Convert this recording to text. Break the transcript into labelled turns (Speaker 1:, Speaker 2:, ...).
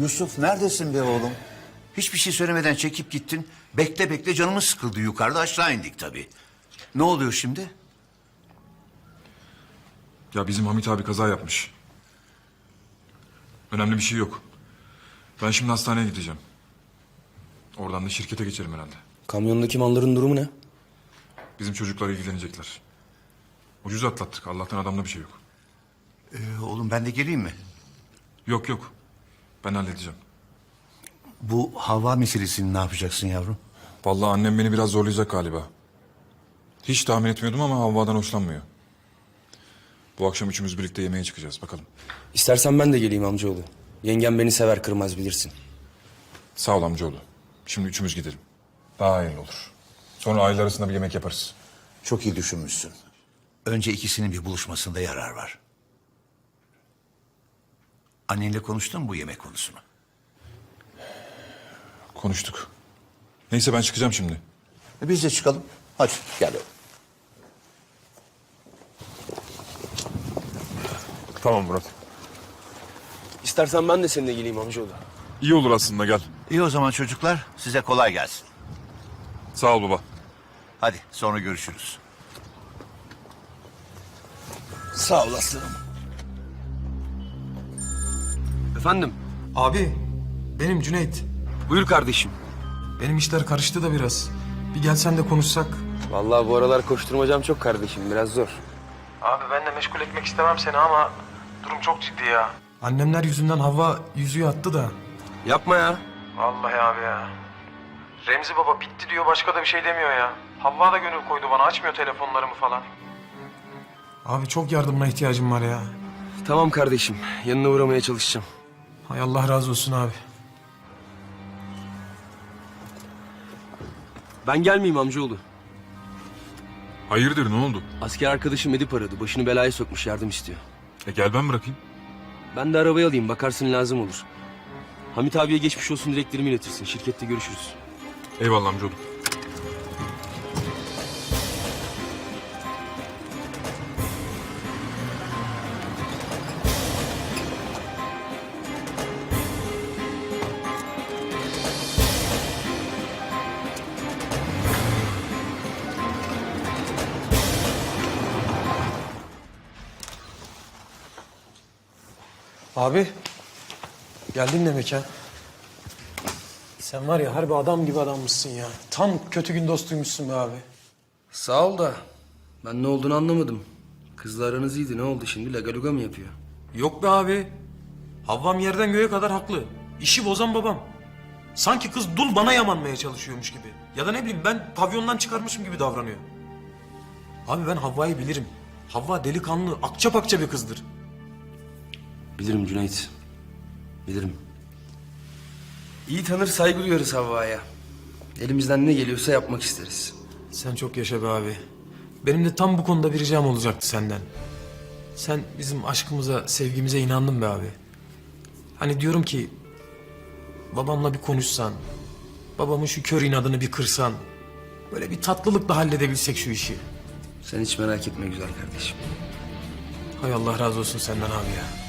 Speaker 1: Yusuf neredesin be oğlum? Hiçbir şey söylemeden çekip gittin. Bekle bekle canımız sıkıldı, yukarıda aşağı indik tabii. Ne oluyor şimdi?
Speaker 2: Ya bizim Hamit abi kaza yapmış. Önemli bir şey yok. Ben şimdi hastaneye gideceğim. Oradan da şirkete geçerim herhalde.
Speaker 3: Kamyondaki malların durumu ne?
Speaker 2: Bizim çocuklar ilgilenecekler. Ucuz atlattık. Allah'tan adamda bir şey yok.
Speaker 1: Oğlum ben de geleyim mi?
Speaker 2: Yok yok. Ben halledeceğim.
Speaker 1: Bu hava meselesini ne yapacaksın yavrum?
Speaker 2: Vallahi annem beni biraz zorlayacak galiba. Hiç tahmin etmiyordum ama Havva'dan hoşlanmıyor. Bu akşam üçümüz birlikte yemeğe çıkacağız. Bakalım.
Speaker 3: İstersen ben de geleyim amcaoğlu. Yengem beni sever kırmaz bilirsin.
Speaker 2: Sağ ol amcaoğlu. Şimdi üçümüz gidelim. Daha hayırlı olur. Sonra aile arasında bir yemek yaparız.
Speaker 1: Çok iyi düşünmüşsün. Önce ikisinin bir buluşmasında yarar var. Annenle konuştun mu bu yemek konusunu?
Speaker 2: Konuştuk. Neyse ben çıkacağım şimdi.
Speaker 1: Biz de çıkalım. Hadi gel oğlum.
Speaker 2: Tamam Murat.
Speaker 3: İstersen ben de seninle geleyim amcaoğlu.
Speaker 2: İyi olur aslında gel.
Speaker 1: İyi o zaman çocuklar, size kolay gelsin.
Speaker 2: Sağ ol baba.
Speaker 1: Hadi sonra görüşürüz.
Speaker 3: Sağ ol aslanım. Efendim?
Speaker 4: Abi, benim Cüneyt.
Speaker 3: Buyur kardeşim.
Speaker 4: Benim işler karıştı da biraz. Bir gelsen de konuşsak.
Speaker 3: Vallahi bu aralar koşturmacam çok kardeşim. Biraz zor.
Speaker 5: Abi ben de meşgul etmek istemem seni ama durum çok ciddi ya.
Speaker 4: Annemler yüzünden Havva yüzüğü attı da.
Speaker 3: Yapma ya.
Speaker 5: Vallahi abi ya. Remzi baba bitti diyor, başka da bir şey demiyor ya. Havva da gönül koydu bana, açmıyor telefonlarımı falan.
Speaker 4: Abi çok yardımına ihtiyacım var ya.
Speaker 3: Tamam kardeşim. Yanına uğramaya çalışacağım.
Speaker 4: Hay Allah razı olsun abi.
Speaker 3: Ben gelmeyeyim amcaoğlu.
Speaker 2: Hayırdır ne oldu?
Speaker 3: Asker arkadaşım Edip aradı. Başını belaya sokmuş, yardım istiyor.
Speaker 2: Gel ben bırakayım.
Speaker 3: Ben de arabayı alayım. Bakarsın lazım olur. Hamit abiye geçmiş olsun dileklerimi iletirsin. Şirkette görüşürüz.
Speaker 2: Eyvallah amcaoğlu.
Speaker 4: Abi, geldin demek ha. Sen var ya harbi adam gibi adammışsın ya. Tam kötü gün dostuymuşsun be abi.
Speaker 3: Sağ ol da ben ne olduğunu anlamadım. Kızla aranız iyiydi. Ne oldu şimdi? Lagaluga mı yapıyor?
Speaker 4: Yok be abi. Havvam yerden göğe kadar haklı. İşi bozan babam. Sanki kız dul bana yamanmaya çalışıyormuş gibi. Ya da ne bileyim ben pavyondan çıkarmışım gibi davranıyor. Abi ben Havva'yı bilirim. Havva delikanlı, akça pakça bir kızdır.
Speaker 3: Bilirim Cüneyt. Bilirim. İyi tanır, saygı duyarız Havva'ya. Elimizden ne geliyorsa yapmak isteriz.
Speaker 4: Sen çok yaşa be abi. Benim de tam bu konuda bir ricam olacaktı senden. Sen bizim aşkımıza, sevgimize inandın be abi. Hani diyorum ki babamla bir konuşsan, babamın şu kör inadını bir kırsan, böyle bir tatlılıkla halledebilsek şu işi.
Speaker 3: Sen hiç merak etme güzel kardeşim.
Speaker 4: Hay Allah razı olsun senden abi ya.